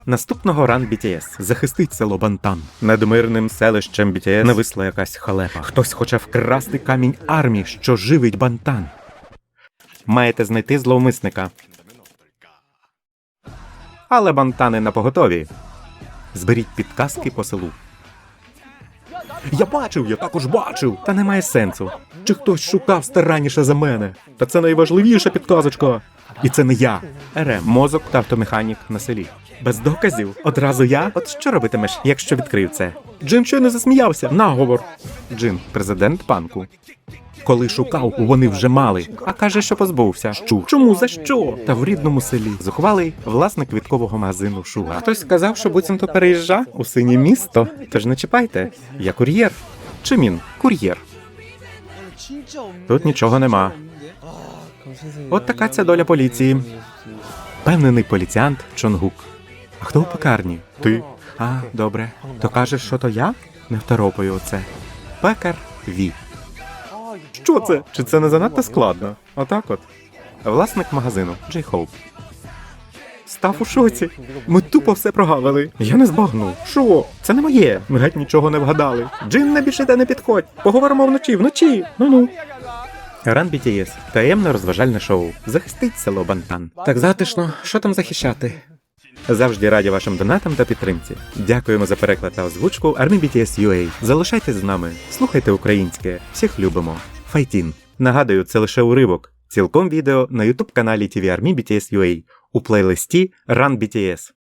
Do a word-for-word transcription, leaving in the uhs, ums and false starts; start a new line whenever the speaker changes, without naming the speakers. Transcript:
Наступного ран бі ті ес захистить село Бантан. Над мирним селищем бі ті ес нависла якась халепа. Хтось хоче вкрасти камінь армії, що живить Бантан. Маєте знайти зловмисника. Але Бантани на поготові. Зберіть підказки по селу. Я бачив, я також бачив. Та немає сенсу. Чи хтось шукав старанніше за мене? Та це найважливіша підказочка. І це не я. РМ, мозок та автомеханік на селі. Без доказів? Одразу я? От що робитимеш, якщо відкрив це? Джин щойно засміявся. Наговор. Джин, президент панку. Коли шукав, вони вже мали. А каже, що позбувся. Щур. Чому? За що? Та в рідному селі. Зухвалий власник квіткового магазину Шуга. Хтось сказав, що буцімто переїжджа у синє місто. Тож не чіпайте. Я кур'єр. Чи він? Кур'єр. Тут нічого нема. От така ця доля поліції. Певнений поліціант Чонгук. А хто у пекарні? Ти? А, добре. То кажеш, що то я? Не второпаю оце. Пекар Ві. Що це? Чи це не занадто складно? Отак от. Власник магазину Джей Хоуп. Став у шоці. Ми тупо все прогавили. Я не збагнув. Що? Це не моє. Ми геть нічого не вгадали. Джин, не більше не підходь. Поговоримо вночі, вночі. Ну-ну. Ран бі ті ес. Таємне розважальне шоу. Захистить село Бантан. Так затишно. Що там захищати? Завжди раді вашим донатам та підтримці. Дякуємо за переклад та озвучку Army бі ті ес ю ей. Залишайтесь з нами. Слухайте українське. Всіх любимо. Файтін. Нагадую, це лише уривок. Цілком відео на ютуб каналі ті ві Army бі ті ес ю ей у плейлисті Run бі ті ес.